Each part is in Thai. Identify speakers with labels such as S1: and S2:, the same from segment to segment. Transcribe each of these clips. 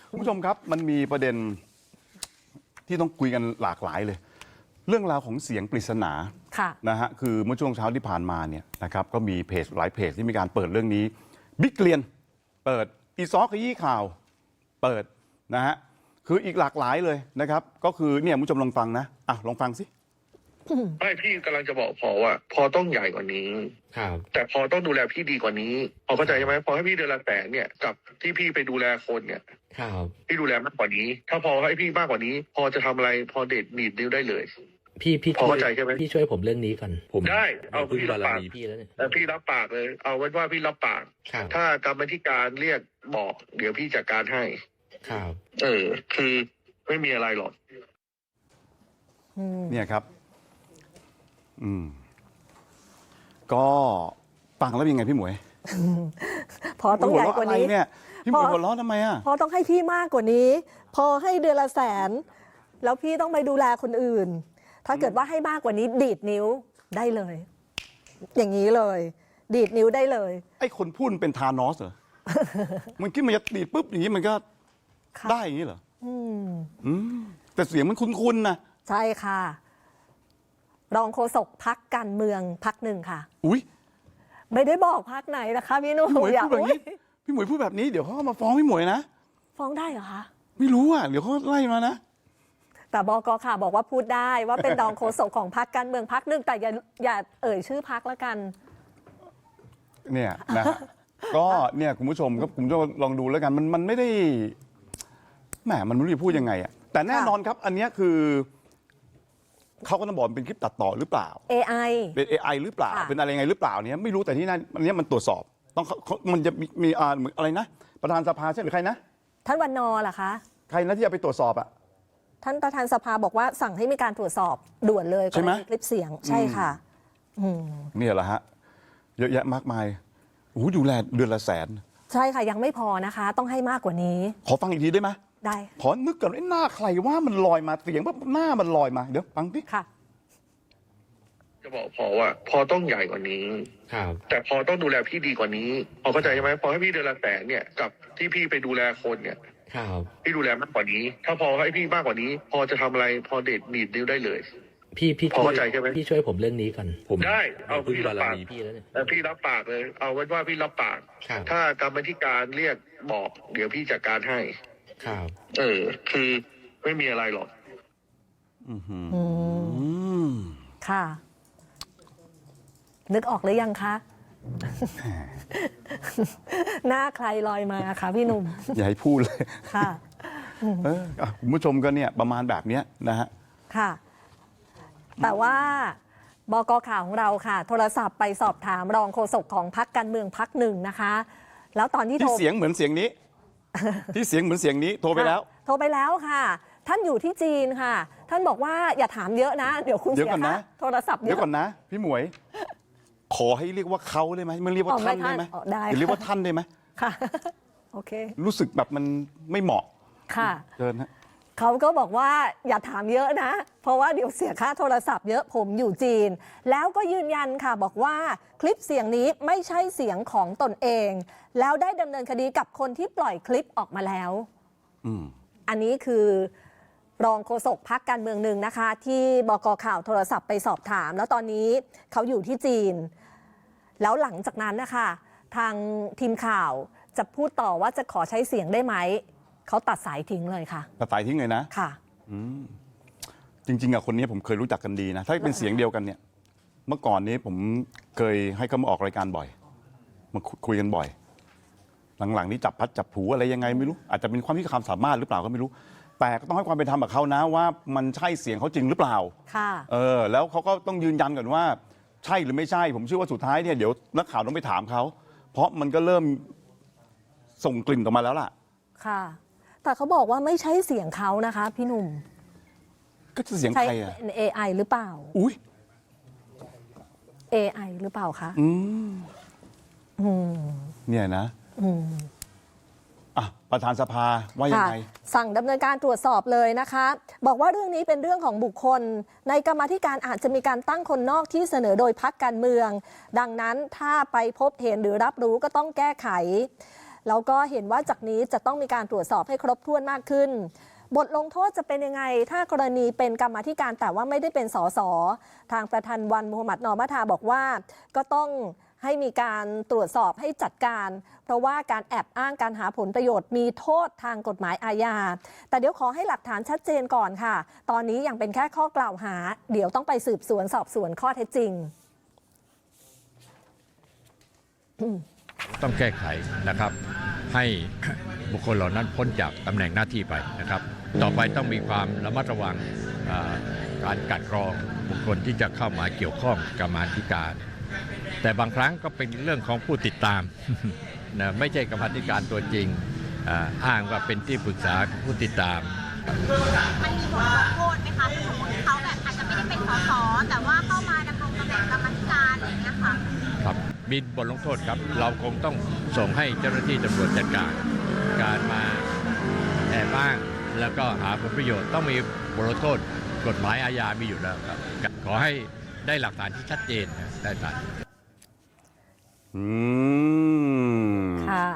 S1: คุณผู้ชมครับมันมีประเด็นที่ต้องคุยกันหลากหลายเลยเรื่องราวของเสียงปริศนานะฮะคือเมื่อช่วงเช้าที่ผ่านมาเนี่ยนะครับก็มีเพจหลายเพจที่มีการเปิดเรื่องนี้บิ๊กเกลียนเปิดอีซอขยี้ข่าวเปิดนะฮะคืออีกหลากหลายเลยนะครับก็คือเนี่ยคุณผู้ชมลองฟังนะลองฟังสิ
S2: ไม่พี่กำลังจะบอกพอว่าพอต้องใหญ่กว่านี้
S3: ครับ
S2: แต่พอต้องดูแลพี่ดีกว่านี้พอเข้าใจใช่ไหมพอให้พี่เดือนละ100,000เนี่ยกับที่พี่ไปดูแลคนเนี่ย
S3: ครับ
S2: พี่ดูแลมากกว่านี้ถ้าพอให้พี่มากกว่านี้ พอจะทำอะไรพอเด็ดหนีบนิ้วได้เลย
S3: พี่
S2: พอเข้าใจใช่ไหม
S3: พี่ช่วยผมเรื่องนี้ก่อนผม
S2: ได้เอา
S3: พึ่ง
S2: พี่รั
S3: บา
S2: บปาก
S3: พี่แล้วเนี่ย
S2: พี่รับปากเลยเอาไว้ว่าพี่รับปากถ้ากรรมธิการเรียกบอกเดี๋ยวพี่จัดการให้
S3: ครับ
S2: คือไม่มีอะไรหรอก
S1: เนี่ยครับก็ฟังแล้วยังไงพี่หมวย
S4: พอต้องใหญ่กว่านี้
S1: เนี่ยพี่หมวยหัวเราะทำไม
S4: พอต้องให้พี่มากกว่านี้พอให้เดือนละ100,000แล้วพี่ต้องไปดูแลคนอื่นถ้าเกิดว่าให้มากกว่านี้ดีดนิ้วได้เลยอย่างนี้เลยดีดนิ้วได้เลย
S1: ไอ้คนพูดเป็นธานอสเหรอ มันคิดมันจะดีดปุ๊บอย่างนี้มันก็ได้อย่างนี้เหรอแต่เสียงมันคุ้นๆนะ
S4: ใช่ค่ะรองโฆษกพรรคการเมืองพรรคหนึ่งค่ะ
S1: อุ้ย
S4: ไม่ได้บอกพรรคไหนนะคะพี่นุ่ม
S1: พี่หมวยพูดแบบนี้พี่หมวยพูดแบบนี้เดี๋ยวเขามาฟ้องพี่หมวยนะ
S4: ฟ้องได้เหรอคะ
S1: ไม่รู้เดี๋ยวเขาไล่มานะ
S4: แต่บก.ค่ะบอกว่าพูดได้ว่าเป็นรองโฆษกของพรรคการเมืองพรรคหนึ่งแต่อย่าเอ่ยชื่อพรรคแล้วกัน
S1: เนี่ยนะก็เนี่ยคุณผู้ชมก็ผมจะลองดูแล้วกันมันไม่ได้แหมมันไม่รู้จะพูดยังไงแต่แน่นอนครับอันนี้คือเขาก็ต้องบอกเป็นคลิปตัดต่อหรือเปล่า
S4: AI
S1: เป็น AI หรือเปล่าเป็นอะไรยังไงหรือเปล่าเนี่ยไม่รู้แต่ที่นั่นอันนี้มันตรวจสอบต้องมันจะมีเหมือนอะไรนะประธานสภาใช่หรือใครนะ
S4: ท่านวันนอเหรอคะ
S1: ใครนะที่จะไปตรวจสอบ
S4: ท่านประธานสภาบอกว่าสั่งให้มีการตรวจสอบด่วนเลย
S1: ใช่ไหม
S4: คลิปเสียงใช่ค่ะ
S1: เนี่ยแหละฮะเยอะแยะมากมายดูแลเดือนละ100,000
S4: ใช่ค่ะยังไม่พอนะคะต้องให้มากกว่านี้
S1: ขอฟังอีกทีได้ไหม
S4: ได้
S1: ขอนึกก่อนหน้าใครว่ามันลอยมาเสียงว่าหน้ามันลอยมาเดี๋ยวฟังดิ
S4: ค่ะ
S2: จะบอกพอว่าพอต้องใหญ่กว่านี้แต่พอต้องดูแลพี่ดีกว่านี้พอเข้าใจใช่ไหมพอให้พี่เดือนละ100,000เนี่ยกับที่พี่ไปดูแลคนเนี่ยพี่ดูแลมากกว่านี้ถ้าพอให้พี่มากกว่านี้ พอจะทำอะไรพอเด็ดหนีบนิ้วได้เลย
S3: พี่
S2: พอเข้าใจใช่ไหม
S3: พี่ช่วยผมเรื่องนี้ก่อนผม
S2: ได้เอา
S3: พึ่ง
S2: พี่รั
S3: บา
S2: บปาก
S3: พี่แล้วเนี่ย
S2: พี่รับปากเลยเอาไว้ว่าพี่รับปากถ้ากรรมธิการเรียกบอกเดี๋ยวพี่จัดการให้คือไม่มีอะไรหรอก
S4: ค่ะนึกออกหรือยังคะหน้าใครลอยมาคะพี่หนุ่ม
S1: อย่าให้พูดเลย
S4: ค่ะ
S1: คุณผู้ชมก็เนี่ยประมาณแบบนี้นะฮะ
S4: ค่ะแต่ว่าบก.ข่าวของเราค่ะโทรศัพท์ไปสอบถามรองโฆษกของพรรคการเมืองพรรคหนึ่งนะคะแล้วตอนที่
S1: เสียงเหมือนเสียงนี้ที่เสียงเหมือนเสียงนี้โทรไปแล้ว
S4: ค่ะท่านอยู่ที่จีนค่ะท่านบอกว่าอย่าถามเยอะนะเดี๋ยวคุณเสียค่าโทรศัพท์เ
S1: ดี๋ยวก่อนนะพี่หมวยขอให้เรียกว่าเขาได้ไหมมันเรียกว่าท่านได้ไหมเรียกว่าท่านได้ไหม
S4: ค่ะโอเค
S1: รู้สึกแบบมันไม่เหมาะ
S4: ค่ะ
S1: เชิญฮะ
S4: เขาก็บอกว่าอย่าถามเยอะนะเพราะว่าเดี๋ยวเสียค่าโทรศัพท์เยอะผมอยู่จีนแล้วก็ยืนยันค่ะบอกว่าคลิปเสียงนี้ไม่ใช่เสียงของตนเองแล้วได้ดำเนินคดีกับคนที่ปล่อยคลิปออกมาแล้วอันนี้คือรองโฆษกพรรคการเมืองหนึ่งนะคะที่บก.ข่าวโทรศัพท์ไปสอบถามแล้วตอนนี้เขาอยู่ที่จีนแล้วหลังจากนั้นนะคะทางทีมข่าวจะพูดต่อว่าจะขอใช้เสียงได้ไหมเขาตัดสายทิ้งเลยค่ะ
S1: ตัดสายทิ้งเลยนะ
S4: ค่ะ
S1: จริงๆคนนี้ผมเคยรู้จักกันดีนะถ้าเป็นเสียงเดียวกันเนี่ยเมื่อก่อนนี้ผมเคยให้เขามาออกรายการบ่อยมาคุยกันบ่อยหลังๆนี้จับพัดจับผูอะไรยังไงไม่รู้อาจจะเป็นความที่ความสามารถหรือเปล่าก็ไม่รู้แต่ก็ต้องให้ความเป็นธรรมกับเขานะว่ามันใช่เสียงเขาจริงหรือเปล่า
S4: ค่ะ
S1: แล้วเขาก็ต้องยืนยันก่อนว่าใช่หรือไม่ใช่ผมเชื่อว่าสุดท้ายเนี่ยเดี๋ยวนักข่าวต้องไปถามเขาเพราะมันก็เริ่มส่งกลิ่นออกมาแล้วล่ะ
S4: ค่ะแต่เขาบอกว่าไม่ใช่เสียงเขานะคะพี่หนุ่ม
S1: ก็จะเสียงใคร
S4: เป็น AI หรือเปล่า
S1: อุ้ย
S4: AI หรือเปล่าคะ
S1: เนี่ยนะประธานสภาว่ายังไง
S4: สั่งดำเนินการตรวจสอบเลยนะคะบอกว่าเรื่องนี้เป็นเรื่องของบุคคลในกรรมาธิการอาจจะมีการตั้งคนนอกที่เสนอโดยพรรคการเมืองดังนั้นถ้าไปพบเห็นหรือรับรู้ก็ต้องแก้ไขแล้วก็เห็นว่าจากนี้จะต้องมีการตรวจสอบให้ครบถ้วนมากขึ้น บทลงโทษจะเป็นยังไงถ้ากรณีเป็นกรรมาธิการแต่ว่าไม่ได้เป็นสสทางประธานวันมูฮัมหมัดนอมัทาบอกว่าก็ต้องให้มีการตรวจสอบให้จัดการ เพราะว่าการแอบอ้างการหาผลประโยชน์มีโทษทางกฎหมายอาญาแต่เดี๋ยวขอให้หลักฐานชัดเจนก่อนค่ะตอนนี้ยังเป็นแค่ข้อกล่าวหาเดี๋ยวต้องไปสืบสวนสอบสวนข้อเท็จจริง
S5: ต้องแก้ไขนะครับให้บุคคลเหล่านั้นพ้นจากตำแหน่งหน้าที่ไปนะครับต่อไปต้องมีความระมัดระวังการกลั่นกรองบุคคลที่จะเข้ามาเกี่ยวข้องกับกรรมาธิการแต่บางครั้งก็เป็นเรื่องของผู้ติดตาม นะไม่ใช่กรรมาธิการตัวจริงอ้างว่าเป็นที่ปรึกษาผู้ติดตาม
S6: มันมีบทลงโทษไหมคะสมมติเขาแบบอาจจะไม่ได้เป็นสสแต่ว่าเข้ามาดำรงตำแหน่งกรรมาธิการอะไรอย่างเงี้ยค่ะ
S5: ครับมีบทลงโทษครับเราคงต้องส่งให้เจ้าหน้าที่ตำรวจจัดการมาแอบอ้างแล้วก็หาผลประโยชน์ต้องมีบทลงโทษกฎหมายอาญามีอยู่แล้วครับขอให้ได้หลักฐานที่ชัดเจนได้ตัด
S4: ค่ะ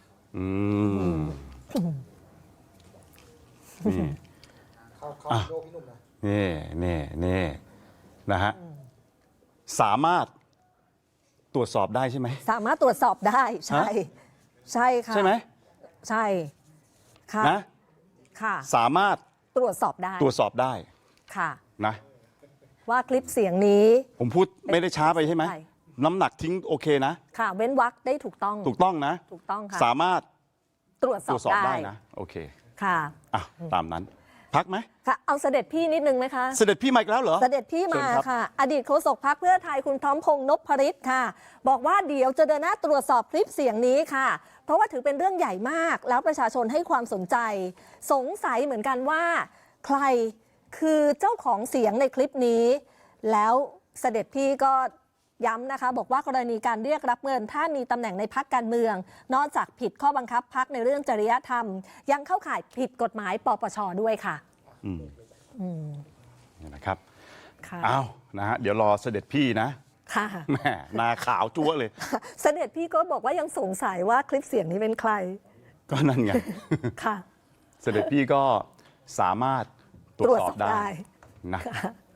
S1: นี่นะฮะสามารถตรวจสอบได้ใช่ไหม
S4: สามารถตรวจสอบได้ใช่ค่ะ
S1: ใช่ไหม
S4: ใช่ค่ะ
S1: นะ
S4: ค่ะ
S1: สามารถ
S4: ตรวจสอบได้ค่ะ
S1: นะ
S4: ว่าคลิปเสียงนี้
S1: ผมพูดไม่ได้ช้าไปใช่ไหมน้ำหนักทิ้งโอเคนะ
S4: ค่ะเว้นวรรคได้ถูกต้อง
S1: นะ
S4: ถูกต้องค่ะ
S1: สามารถ
S4: ตรวจสอบได้
S1: นะโอเค
S4: ค่ะ
S1: ตามนั้นพักไหม
S4: ค่ะเอาเสด็จพี่นิดนึงไหมคะ
S1: เสด็จพี่มาอีกแล้วเหรอ
S4: เสด็จพี่มาค่ะอดีตโฆษกพรรคเพื่อไทยคุณพร้อมพงษ์นพฤทธิ์ค่ะบอกว่าเดี๋ยวจะเดินหน้าตรวจสอบคลิปเสียงนี้ค่ะเพราะว่าถือเป็นเรื่องใหญ่มากแล้วประชาชนให้ความสนใจสงสัยเหมือนกันว่าใครคือเจ้าของเสียงในคลิปนี้แล้วเสด็จพี่ก็ย้ำนะคะบอกว่ากรณีการเรียกรับเงินถ้ามีตำแหน่งในพรรคการเมืองนอกจากผิดข้อบังคับพรรคในเรื่องจริยธรรมยังเข้าข่ายผิดกฎหมายปปช.ด้วยค่ะ
S1: นี่นะครับอ้าวนะฮะเดี๋ยวรอเสด็จพี่นะ
S4: ค่ะ
S1: แม่นาขาวจั๊วเลย
S4: เสด็จพี่ก็บอกว่ายังสงสัยว่าคลิปเสียงนี้เป็นใคร
S1: ก็นั่นไง
S4: ค่ะ
S1: เสด็จพี่ก็สามารถตรวจสอบได้นะ